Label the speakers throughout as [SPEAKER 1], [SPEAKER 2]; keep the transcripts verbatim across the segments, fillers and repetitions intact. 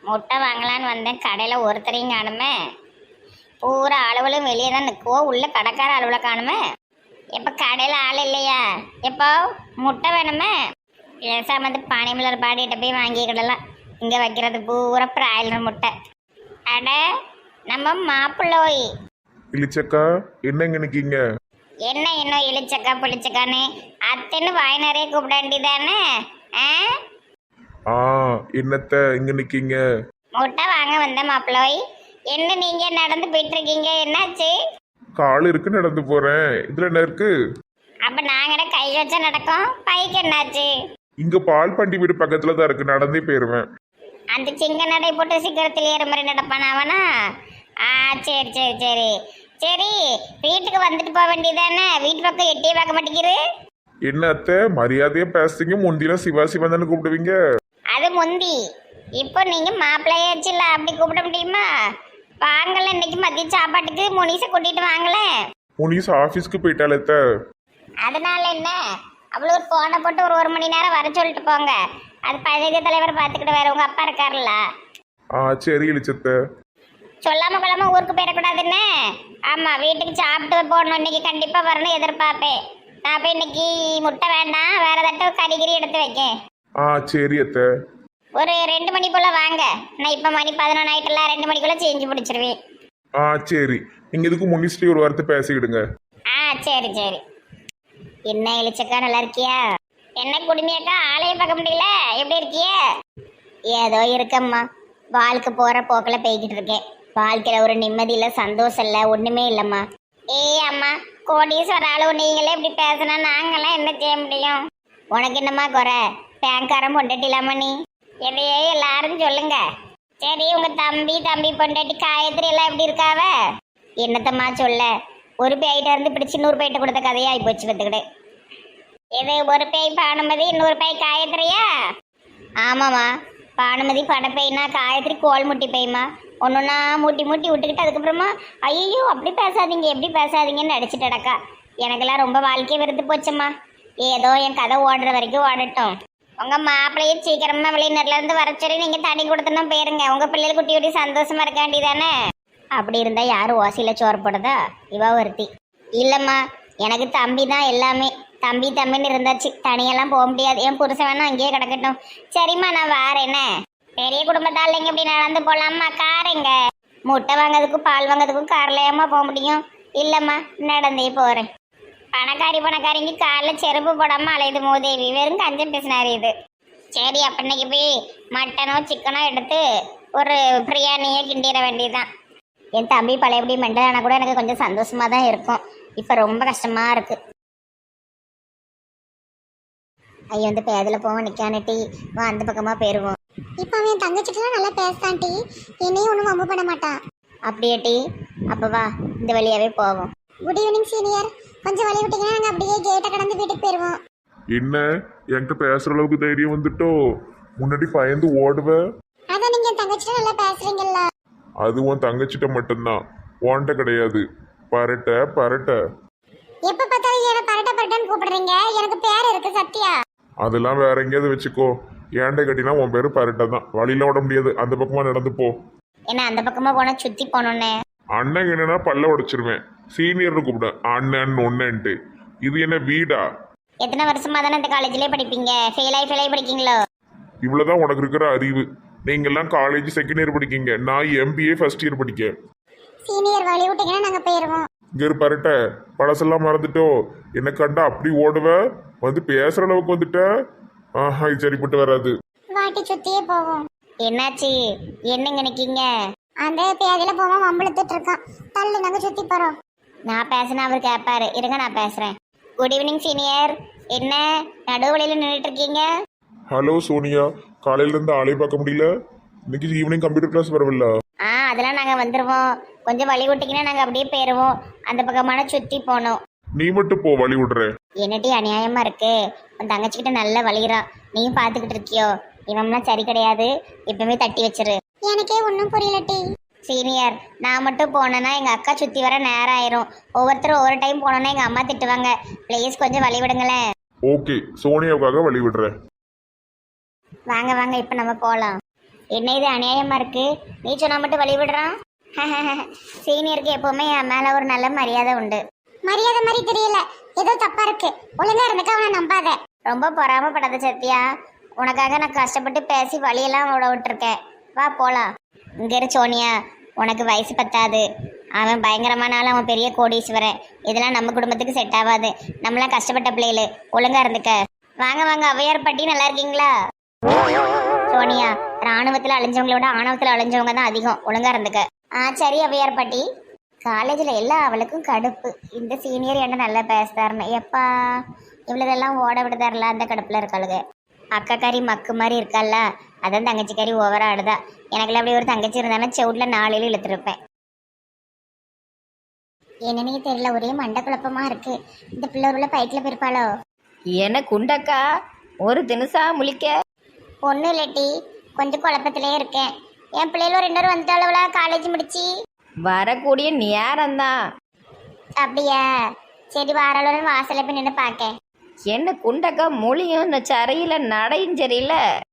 [SPEAKER 1] முட்டை வாங்கலான்னு வந்தேன், கடையில் ஒருத்தரையும் காணுமே. பூரா அளவுகளும் வெளியே தான் நிற்குவோம், உள்ள கடைக்கார அளவில் காணுமே. எப்போ கடையில் ஆள் இல்லையா? எப்போ முட்டை வேணுமே? பேசாம வந்து பானைமலர் பாடிகிட்ட போய் வாங்கிக்கிடலாம். இங்கே வைக்கிறது பூரா பிராய்லர் முட்டை. அட நம்ம மாப்பிள்ளோய்
[SPEAKER 2] இளிச்சக்கா, என்னங்க நிக்கீங்க?
[SPEAKER 1] என்ன இன்னும் இழிச்சக்கா பிடிச்சக்கான்னு அத்தைன்னு வாய் நிறைய கூப்பிட வேண்டியதானே? ஆ
[SPEAKER 2] ஆ, என்னத்த இங்க நிக்கீங்க?
[SPEAKER 1] முட்டை வாங்க வந்த மாப்பிள்ளோய். என்ன நீங்க நடந்து போயிட்டு இருக்கீங்க, என்னாச்சு?
[SPEAKER 2] கால் இருக்கு, நடந்து போறேன். இதுல என்ன இருக்கு?
[SPEAKER 1] அப்ப நாங்க கை வச்சா நடக்கும், பைக்கு என்னாச்சு?
[SPEAKER 2] இங்க பால் பண்டி வீடு பக்கத்துல தான் இருக்கு, நடந்தே போயிருவேன்.
[SPEAKER 1] அந்த சிங்க நடை போட்டு சீக்கிரத்தில் ஏற மாதிரி நடப்பான அவனா? ஆ சரி சரி சரி சரி, வீட்டுக்கு வந்துட்டு போக வேண்டியதானே? வீட்டு பக்கம் எட்டியே பார்க்க மாட்டேங்கிரு.
[SPEAKER 2] என்ன அத்தை மரியாதையா பேசுறீங்க? முந்திலாம் சிவா சிவா தானே கூப்பிடுவீங்க.
[SPEAKER 1] அது முந்தி, இப்போ நீங்க மாப்பிள்ளையாச்சுல, அப்படி கூப்பிட முடியுமா? வாங்கல, இன்னைக்கு மதிய சாப்பாட்டுக்கு முனிசை கூட்டிட்டு வாங்கல.
[SPEAKER 2] முனிஸ் ஆபீஸ்க்கு போயிட்டாலே அத்தை.
[SPEAKER 1] அதனால என்ன, அவ்வளோ ஒரு போனை போட்டு ஒரு ஒரு மணி நேரம் வர சொல்லிட்டு போங்க. அது பழைய தலைவர் பார்த்துக்கிட்டு வேற உங்க அப்பா இருக்காருல்ல.
[SPEAKER 2] ஆ சரி இளிச்சத்த.
[SPEAKER 1] சொல்லாம கொள்ளாம ஊருக்கு போயிடக்கூடாதுன்னு. ஆமா, வீட்டுக்கு சாப்பிட்டு போடணும், இன்னைக்கு கண்டிப்பா வரணும் எதிர்பார்ப்பேன். நான் போய் இன்னைக்கு முட்டை வேண்டாம், வேற ஏதாட்டும் கறிகிரி எடுத்து வைக்கேன்.
[SPEAKER 2] ஆ சரி அத்தை.
[SPEAKER 1] ஒரு ரெண்டு மணி போல வாங்க. நான் இப்ப மணி பதினொன்று ஆயிட்டுல, ரெண்டு மணிக்குள்ள செஞ்சு பிடிச்சிருவேன்.
[SPEAKER 2] ஆ சரி, நீங்க இதுக்கு முனிஸ்ட்ரி ஒரு வார்த்தை பேசிக்கிடுங்க.
[SPEAKER 1] ஆ சரி சரி. என்ன இளிச்சக்கா, நல்லா இருக்கியா? என்ன குடுமையாக்கா, ஆளைய பார்க்க முடியல, எப்படி இருக்கிய? ஏதோ இருக்கம்மா, வாழ்க்கை போற போக்கில் போய்கிட்டு இருக்கேன். வாழ்க்கையில ஒரு நிம்மதி இல்லை, சந்தோஷம் இல்லை, ஒண்ணுமே இல்லைம்மா. ஏய் அம்மா, கோடீஸ்வர ஆளு நீங்களே இப்படி பேசினா நாங்கெல்லாம் என்ன செய்ய முடியும்? உனக்கு என்னம்மா குறை? பேங்காரம் பொண்டாட்டிலாமா நீ? எதையே எல்லாரும் சொல்லுங்க. சரி, உங்க தம்பி தம்பி பொண்டாட்டி காயத்ரி எல்லாம் எப்படி இருக்காவ? என்னத்தம்மா சொல்ல, ஒரு பேய்கிட்ட இருந்து பிடிச்சி நூறு பேய்கிட்ட கொடுத்த கதையாகி போச்சு பார்த்துக்கிட்டு. இது ஒரு பேய் பானுமதி, இன்னொரு பேய் காயத்ரியா? ஆமாம்மா, பானுமதி படப்பைனா, காயத்ரி கோல் முட்டி பேய்மா. ஒன்றுன்னா மூட்டி மூட்டி விட்டுக்கிட்டு அதுக்கப்புறமா ஐயோ அப்படி பேசாதீங்க எப்படி பேசாதீங்கன்னு நடிச்சுட்டடக்கா. எனக்கெல்லாம் ரொம்ப வாழ்க்கையை வெறுத்து போச்சம்மா. ஏதோ என் கதை ஓடுற வரைக்கும் ஓடட்டும். உங்கள் மாப்பிள்ளையே சீக்கிரமாக வெளிநாட்டிலேருந்து வர சொல்லி நீங்கள் தனி கொடுத்தனா போயிருங்க. உங்கள் பிள்ளைகள் குட்டி குட்டி சந்தோஷமா இருக்க வேண்டியதானே? அப்படி இருந்தால் யாரும் ஓசையில் சோறு போடுதா? இவா ஒருத்தி. இல்லைம்மா, எனக்கு தம்பி தான் எல்லாமே. தம்பி தம்பின்னு இருந்தாச்சு, தனியெல்லாம் போக முடியாது. என் புருஷன் வேணா அங்கேயே கிடக்கட்டும். சரிம்மா, நான் வாரேனே. பெரிய குடும்பத்தால் இங்கே இப்படி நடந்து போகலாம்மா. காருங்க, முட்டை வாங்கிறதுக்கும் பால் வாங்கிறதுக்கும் காரில் ஏமா போக முடியும்? இல்லைம்மா, நடந்தே போகிறேன். பணக்காரி பணக்காரிங்க காலில் செருப்பு போடாமல் அலையுது மூதேவி. வெறும் கஞ்சம் பேசினாரு இது. சரி, அப்போ இன்னைக்கு போய் மட்டனோ சிக்கனோ எடுத்து ஒரு பிரியாணியை கிண்டிட வேண்டியதுதான். என் தம்பி பழையபடி மெண்டலானா கூட எனக்கு கொஞ்சம் சந்தோஷமாக தான் இருக்கும். இப்போ ரொம்ப கஷ்டமாக இருக்குது. ஐயோ, வந்து பேதில் போவோம் நிற்கானே டீ. வா, அந்த பக்கமாக போயிடுவோம்.
[SPEAKER 3] இப்போ அவன் தங்கச்சிட்டுலாம் நல்லா பேசுதான் டி, என்னையும் ஒன்றும் வம்பு பண்ண மாட்டான்.
[SPEAKER 1] அப்படியே டீ, அப்போ வா இந்த வழியாகவே போவோம்.
[SPEAKER 3] குட் ஈவினிங் சீனியர், கொஞ்சம் வழி விட்டீங்கன்னா நாங்கள் அப்படியே கேட்டை கடந்து வீட்டுக்கு போயிடுவோம்.
[SPEAKER 2] என்ன என்கிட்ட பேசுற அளவுக்கு தைரியம் வந்துட்டோ? முன்னாடி பயந்து ஓடுவ.
[SPEAKER 3] அதான் நீங்கள் என் தங்கச்சிட்ட நல்லா பேசுறீங்கல்ல.
[SPEAKER 2] அது உன் தங்கச்சிட்ட மட்டும்தான், ஓன்ட்ட கிடையாது. பரட்ட பரட்ட.
[SPEAKER 3] எப்போ பார்த்தாலும் என்ன பரட்ட பரட்டன்னு கூப்பிடுறீங்க? எனக்கு பேர் இருக்கு சத்யா.
[SPEAKER 2] அதெல்லாம் வேற எங்கேயாவது வச்சுக்கோ. ஏன்டை கட்டினா உன் பேரு பரட்ட தான். வழியில ஓட முடியாது, அந்த பக்கமா நடந்து போ.
[SPEAKER 1] ஏன்னா அந்த பக்கமாக போனால் சுற்றி போகணுன்னு.
[SPEAKER 2] அண்ணன் என்னன்னா பல்ல உடைச்சிருவேன். சீனியர்னு கூப்பிட, அண்ணன் ஒன்னன்ட்டு. இது என்ன வீடா?
[SPEAKER 1] எத்தனை வருஷமா தானே இந்த காலேஜ்லேயே படிப்பீங்க? ஃபெயிலாகி ஃபெயிலாகி படிக்கீங்களோ?
[SPEAKER 2] இவ்வளவுதான் உனக்கு இருக்கிற அறிவு. நீங்கெல்லாம் காலேஜ் செகண்ட் இயர் படிக்கீங்க, நான் எம்பிஏ ஃபர்ஸ்ட் இயர் படிக்க.
[SPEAKER 3] சீனியர் வழி விட்டீங்கன்னா நாங்கள் போயிடுவோம்.
[SPEAKER 2] இங்க இரு பரட்ட, பழசெல்லாம் மறந்துட்டோ? என்ன கண்டா அப்படி ஓடுவ, வந்து பேசுற அளவுக்கு வந்துட்ட. ஆஹா, இது சரிப்பட்டு வராது.
[SPEAKER 3] வாட்டி சுற்றியே போவோம்.
[SPEAKER 1] என்னாச்சு? என்னங்க நிற்கீங்க?
[SPEAKER 3] அந்த பேதில் போவோம், வம்பளுத்துட்டு இருக்கான். தள்ளு, நாங்கள் சுற்றி போகிறோம்.
[SPEAKER 1] நான் பேசினா அவர் கேட்பாரு. இருங்க, நான் பேசுகிறேன். Good evening senior. என்ன நடுவழியில் நின்றுட்டு இருக்கீங்க?
[SPEAKER 2] ஹலோ சோனியா, காலையில இருந்து ஆளே பார்க்க முடியல. இன்னைக்கு ஈவினிங் கம்ப்யூட்டர் கிளாஸ் வரவில்ல?
[SPEAKER 1] ஆ, அதெல்லாம் நாங்கள் வந்துடுவோம். கொஞ்சம் வழி விட்டிங்கன்னா நாங்கள் அப்படியே போயிடுவோம். அந்த பக்கமான சுற்றி போகணும்.
[SPEAKER 2] நீ மட்டும் போ, வழி விடுறேன்.
[SPEAKER 1] என்னட்டி அநியாயமாக இருக்கு. உன் தங்கச்சிக்கிட்ட நல்லா வலிகிறான், நீயும் பார்த்துக்கிட்டு இருக்கியோ? இவன்லாம் சரி கிடையாது, இப்பவுமே தட்டி வச்சிரு.
[SPEAKER 3] எனக்கே ஒன்றும் புரியல டி.
[SPEAKER 1] சீனியர், நான் மட்டும் போனேன்னா எங்கள் அக்கா சுற்றி வர நேரம் ஆயிரும். ஒவ்வொருத்தரும் ஒவ்வொரு டைம் போனோன்னா எங்கள் அம்மா திட்டுவாங்க. ப்ளீஸ் கொஞ்சம் வழி விடுங்களேன்.
[SPEAKER 2] ஓகே, சோனியாவுக்காக வழி விடுறேன்.
[SPEAKER 1] வாங்க வாங்க, இப்போ நம்ம போகலாம். என்ன இது அநியாயமா இருக்கு, நீ சொன்னா மட்டும் வழி விடுறான். சீனியருக்கு எப்பவுமே என் மேல ஒரு நல்ல மரியாதை உண்டு.
[SPEAKER 3] மரியாதை மாதிரி தெரியல, ஏதோ தப்பா இருக்கு. ஒழுங்கா இருந்துக்க அவனை நம்பாத.
[SPEAKER 1] ரொம்ப பொறாமப்படாத சத்யா, உனக்காக நான் கஷ்டப்பட்டு பேசி வழியெல்லாம் விட விட்டுருக்கேன். வா போலாம். இங்க இரு சோனியா, உனக்கு வயசு பத்தாது. அவன் பயங்கரமான ஆள், அவன் பெரிய கோடீஸ்வரன். இதெல்லாம் நம்ம குடும்பத்துக்கு செட் ஆகாது. நம்மளாம் கஷ்டப்பட்ட பிள்ளைகளு, ஒழுங்கா இருந்துக்க. வாங்க வாங்க, ஔவையார் பாட்டி நல்லா இருக்கீங்களா? சோனியா, ராணுவத்துல அழிஞ்சவங்களோட ஆணவத்துல அழிஞ்சவங்க தான் அதிகம், ஒழுங்கா இருந்துக்க. ஆ சரி ஔவையார் பாட்டி. காலேஜில் எல்லா அவளுக்கும் கடுப்பு, இந்த சீனியர் என்ன நல்லா பேசுதாருன்னு. எப்பா இவ்வளோதெல்லாம் ஓட விடுதாருல, அந்த கடுப்பில் இருக்காளுங்க. அக்கா கறி மக்கு மாதிரி இருக்கால, அதான் தங்கச்சி கறி ஓவரா ஆடுதா. எனக்குள்ள அப்படி ஒரு தங்கச்சி இருந்தாலும் செவுட்டில் நாளையில இழுத்துருப்பேன். என்னன்னே தெரியல, ஒரே மண்டை குழப்பமா இருக்கு. இந்த பிள்ளை உள்ள பைக்கில் போயிருப்பாளோ?
[SPEAKER 4] என்ன குண்டக்கா ஒரு தினுசா முழிக்க?
[SPEAKER 1] ஒன்றும் இல்லாட்டி கொஞ்சம் குழப்பத்திலே இருக்கேன். என் பிள்ளைகளும் ரெண்டு பேரும் வந்துட்டாளவுல காலேஜ் முடிச்சு.
[SPEAKER 4] வரக்கூடிய நேரம்தான்.
[SPEAKER 1] அப்படியா? சரி, வாராளோட வாசல போய் நின்று பார்க்க.
[SPEAKER 4] என்ன குண்டக்கா மொழியும் இந்த சரையில நடையும் சரியில்ல.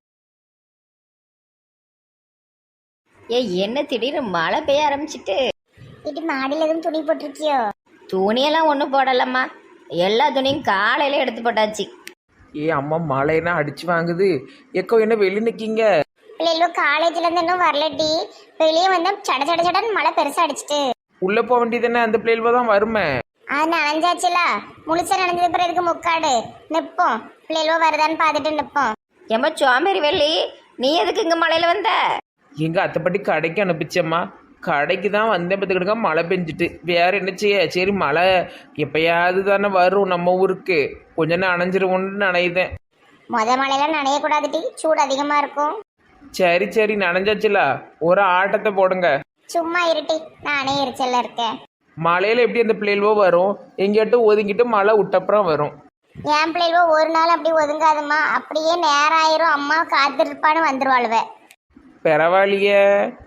[SPEAKER 4] ஏ என்ன திடீர்னு மழை பெய்ய ஆரம்பிச்சிட்டு?
[SPEAKER 1] இது மாடியில் எதுவும் துணி போட்டிருக்கியோ?
[SPEAKER 4] துணியெல்லாம் ஒன்றும் போடலம்மா, எல்லா துணியும் காலையில எடுத்து போட்டாச்சு.
[SPEAKER 5] ஏ அம்மா மழைனா அடிச்சு வாங்குது. எக்கோ என்ன வெளியே நிக்கீங்க?
[SPEAKER 1] பிள்ளைகளும் காலேஜ்ல இருந்து இன்னும் வரலட்டி. வெளியே வந்து சட சட சடன்னு மழை பெருசா அடிச்சிட்டு.
[SPEAKER 5] உள்ள போக வேண்டியதுன்னு அந்த பிள்ளைகள தான் வருமே.
[SPEAKER 1] அது நனைஞ்சாச்சுல, முழுசா நனைஞ்சது பிறகு முக்காடு நிப்போம். பிள்ளைகளோ வருதான்னு பார்த்துட்டு நிப்போம்.
[SPEAKER 4] ஏம்மா சோம்பேறி வெள்ளி, நீ எதுக்கு இங்க மழையில வந்த?
[SPEAKER 5] எங்க அத்தைப்பட்டி கடைக்கு அனுப்பிச்சம்மா. கடைக்கு தான் வந்தேன், பார்த்துக்கிடுங்க மழை பெஞ்சிட்டு. வேற என்ன செய்ய? சரி மழை எப்பயாவது தானே வரும் நம்ம ஊருக்கு, கொஞ்ச நேரம் நனைஞ்சிருவோன்னு நனையுதேன்.
[SPEAKER 1] மொத மழையில நனையக்கூடாதுட்டி, சூடு அதிகமா இருக்கும்.
[SPEAKER 5] சரி சரி நனைஞ்சாச்சுல, ஒரு ஆட்டத்தை போடுங்க.
[SPEAKER 1] சும்மா இருட்டி, நானே எரிச்சல்ல இருக்கேன்.
[SPEAKER 5] மழையில எப்படி அந்த பிள்ளைகளோ வரும்? எங்கேயாட்டும் ஒதுங்கிட்டு மழை விட்டப்புறம் வரும்.
[SPEAKER 1] என் பிள்ளைகளோ ஒரு நாள் அப்படி ஒதுங்காதுமா, அப்படியே நேரம் ஆயிரும். அம்மா காத்திருப்பான்னு வந்துருவாளுவ.
[SPEAKER 5] பரவாயில்லையே.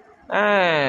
[SPEAKER 5] ஆ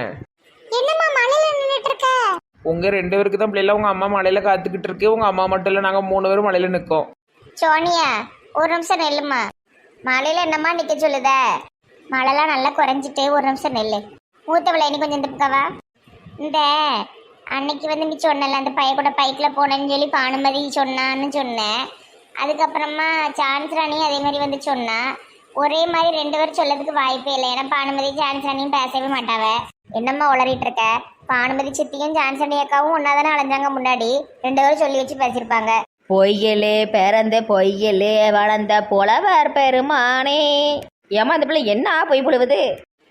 [SPEAKER 3] என்னம்மா மழையில நின்றுட்டு இருக்க?
[SPEAKER 5] உங்க ரெண்டு பேருக்கு தான் பிள்ளைல, உங்க அம்மா மழையில காத்துக்கிட்டு இருக்கு. உங்க அம்மா மட்டும் இல்லை, நாங்க மூணு பேரும் மழையில நிற்கோம்.
[SPEAKER 1] சோனியா, ஒரு நிமிஷம் நெல்லுமா. மழையில என்னம்மா நிக்க சொல்லுத? மழைலாம் நல்லா குறைஞ்சிட்டு, ஒரு நிமிஷம் நெல்லு. மூத்தவளை இனி கொஞ்சம் இந்த பக்கவா. இந்த அன்னைக்கு வந்து நீ சொன்னல, அந்த பைய கூட பைக்கில் போனேன்னு சொல்லி பானுமதி சொன்னான்னு சொன்னேன். அதுக்கப்புறமா சான்ஸ் ராணி அதே மாதிரி வந்து சொன்னா. ஒரே மாதிரி ரெண்டு பேரும் சொல்லதுக்கு வாய்ப்பே இல்லை. ஏன்னா பானுமதி சான்ஸ் ராணியும் பேசவே மாட்டாவ. என்னம்மா உளறிட்டு இருக்க? பானுமதி சித்தியும் சான்ஸ் ராணி அக்காவும் ஒன்னா தானே அலைஞ்சாங்க முன்னாடி. ரெண்டு பேரும் சொல்லி வச்சு பேசியிருப்பாங்க.
[SPEAKER 4] பொய்யலே பிறந்த பொய்யலே வளர்ந்த புலவர் பெருமானே. ஏமா அந்த பிள்ளை என்ன பொய் புழுவுது?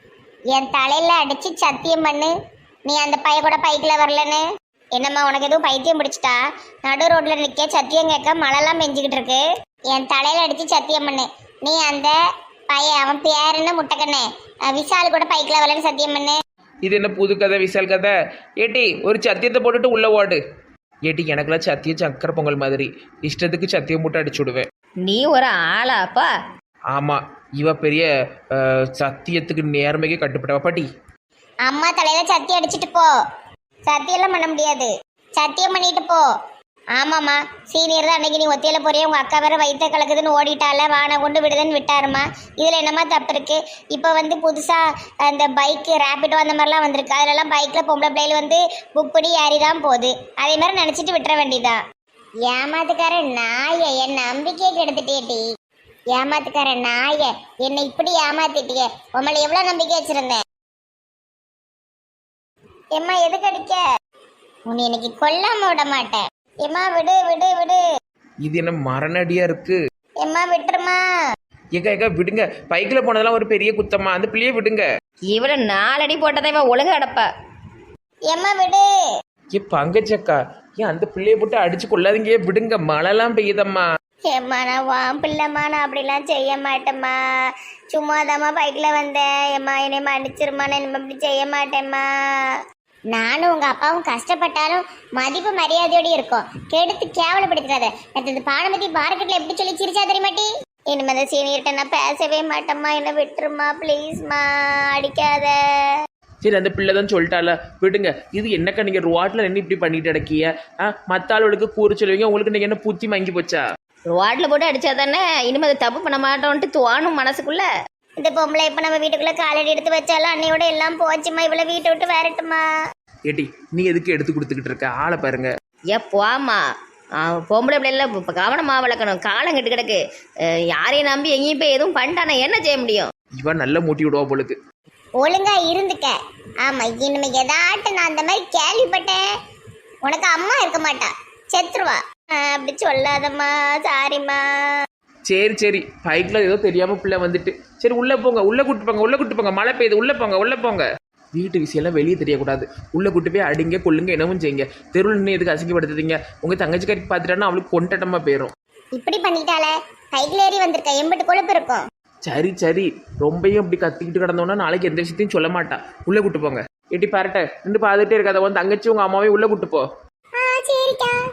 [SPEAKER 1] என் தலையில அடிச்சு சத்தியம் பண்ணு, நீ அந்த பைய கூட பைக்கில் வரலன்னு. என்னம்மா உனக்கு எதுவும் பைத்தியம் பிடிச்சிட்டா? நடு ரோட்ல நிக்க சத்தியம் கேட்க மழைலாம் பெஞ்சுக்கிட்டு இருக்கு. என் தலையில அடிச்சு சத்தியம் பண்ணு, நீ அந்த பையன் அவன் பேருன்னு முட்டைக்கண்ணே விஷால் கூட பைக்கில் வரலன்னு சத்தியம் பண்ணு.
[SPEAKER 5] இது என்ன புது கதை விசால் கதை? ஏட்டி ஒரு சத்தியத்தை போட்டுட்டு உள்ள ஓடு. ஏட்டி எனக்குலாம் சத்தியம் சக்கரை பொங்கல் மாதிரி, இஷ்டத்துக்கு சத்தியம் மூட்டை அடிச்சு விடுவேன்.
[SPEAKER 4] நீ ஒரு ஆளாப்பா?
[SPEAKER 5] ஆமா, இவ பெரிய அஹ், சத்தியத்துக்கு நேர்மைக்கு கட்டுப்பட்டவ பாட்டி.
[SPEAKER 1] அம்மா தலையில சத்தி அடிச்சிட்டு போ. சத்தியெல்லாம் பண்ண முடியாது, சத்தியம் பண்ணிட்டு போ. ஆமாம்மா, சீனியர் தான் அன்னைக்கு நீ ஒத்தையில போறிய, உங்க அக்கா வேற வயிற்ற கலக்குதுன்னு ஓடிட்டால, வானை கொண்டு விடுதுன்னு விட்டாருமா. இதுல என்னமா தப்பு இருக்கு? இப்போ வந்து புதுசா அந்த பைக்கு ரேபிடோ அந்த மாதிரிலாம் வந்திருக்கு. அதுலலாம் பைக்ல பொம்பளை பிள்ளைகள் வந்து புக் பண்ணி ஏறி தான் போகுது. அதே மாதிரி நினைச்சிட்டு விட்டுற வேண்டியதான். ஏமாத்துக்கார நாய, என் நம்பிக்கையை கெடுத்துட்டேட்டி. ஏமாத்துக்கார நாய, என்னை இப்படி ஏமாத்திட்டிய. உங்களை எவ்வளவு நம்பிக்கை வச்சிருந்தேன். எம்மா எதுக்கு அடிக்க? உன்னை இன்னைக்கு கொல்லாம விட மாட்டேன். எம்மா விடு விடு விடு.
[SPEAKER 5] இது என்ன மரணடியா இருக்கு?
[SPEAKER 1] எம்மா விட்டுருமா.
[SPEAKER 5] ஏக்கா ஏக்கா விடுங்க, பைக்கில் போனதெல்லாம் ஒரு பெரிய குத்தம்மா, அந்த பிள்ளையே விடுங்க.
[SPEAKER 4] இவள நாலடி போட்டதை இவன் ஒழுங்கு அடப்பா.
[SPEAKER 1] எம்மா விடு.
[SPEAKER 5] ஏ பங்கச்சக்கா, ஏன் அந்த பிள்ளைய போட்டு அடிச்சு கொள்ளாதீங்க, விடுங்க, மழைலாம் பெய்யுதம்மா.
[SPEAKER 1] ஏம்மா நான் வான் பிள்ளைம்மா, நான் அப்படிலாம் செய்ய மாட்டேம்மா. சும்மாதாம்மா பைக்கில் வந்தேன். எம்மா என்னை மன்னிச்சிருமா, நான் இனிமே அப்படி செய்ய மாட்டேம்மா. நானும் உங்க அப்பாவும் கஷ்டப்பட்டாலும் மதிப்பு மரியாதையோடு இருக்கும். கெடுத்து கேவலப்படுத்தாத. இந்த பானுமதி மார்க்கெட்ல எப்படி சொல்லி சிரிச்சா தெரியுமாட்டி? இனிமே அந்த சீனியர்கிட்ட நான் பேசவே மாட்டேம்மா, என்ன விட்டுருமா ப்ளீஸ்மா, அடிக்காத.
[SPEAKER 5] சரி அந்த பிள்ளை தான் சொல்லிட்டால, விடுங்க. இது என்னக்கா நீங்கள் ரோட்டில் நின்று இப்படி பண்ணிட்டு அடக்கிய? ஆ மற்ற ஆளுகளுக்கு கூறு சொல்லுவீங்க, உங்களுக்கு நீங்கள் என்ன புத்தி வாங்கி போச்சா?
[SPEAKER 4] ரோட்ல போட்டு அடிச்சா தானே இனிமே அதை தப்பு பண்ண மாட்டோன்ட்டு தோணும் மனசுக்குள்ள.
[SPEAKER 1] இந்த பொம்பளை இப்ப நம்ம வீட்டுக்குள்ள காலடி எடுத்து வச்சாலும் அன்னையோட எல்லாம் போச்சுமா, இவ்வளவு வீட்டை விட்டு வரட்டுமா?
[SPEAKER 5] ஏட்டி நீ எதுக்கு எடுத்து கொடுத்துக்கிட்டு இருக்க ஆளை பாருங்க.
[SPEAKER 4] ஏ போமா, பொம்பளை பிள்ளைல இப்போ கவனமாக வளர்க்கணும். காலம் கெட்டு கிடக்கு. அஹ் யாரையும் நம்பி எங்கேயும் போய் எதுவும் பண்ணிட்டானா என்ன செய்ய முடியும்?
[SPEAKER 5] இவன் நல்லா மூட்டி விடுவா போலுக்கு.
[SPEAKER 1] ஒழுங்கா இருந்துக்க. ஆமா, இனிமே ஏதாட்டும் நான் அந்த மாதிரி கேள்விப்பட்டேன், உனக்கு அம்மா இருக்க மாட்டா, செத்துருவா. ஆஹ் அப்படி சொல்லாதம்மா, சாரிம்மா.
[SPEAKER 5] சரி சரி, பைக்கில் ஏதோ தெரியாம பிள்ளை வந்துட்டு. சரி உள்ள போங்க, உள்ள கூட்டு போங்க, உள்ள கூட்டு போங்க, மழை பெய்யுது, உள்ள போங்க உள்ள போங்க. வீட்டு விஷயம்லாம் வெளியே தெரியக்கூடாது. உள்ள கூட்டு போய் அடிங்க கொள்ளுங்க என்னவும் செய்யுங்க. தெருவில் நின்று எதுக்கு அசிங்கப்படுத்துறீங்க? உங்க தங்கச்சிக்காரிக்கு பார்த்துட்டானா அவளுக்கு கொண்டட்டமா போயிடும்.
[SPEAKER 1] இப்படி பண்ணிட்டாலே சைக்கிள் ஏறி வந்திருக்க, எம்பிட்டு கொழுப்பு இருக்கும்.
[SPEAKER 5] சரி சரி, ரொம்பையும் இப்படி கத்திக்கிட்டு கிடந்தோன்னா நாளைக்கு எந்த விஷயத்தையும் சொல்ல மாட்டா. உள்ள கூட்டு போங்க. எட்டி பாருட்ட நின்று பார்த்துட்டே இருக்காத, உன் தங்கச்சி உங்க அம்மாவையும் உள்ள கூட்டு போ.
[SPEAKER 3] ஆ சரிக்கா.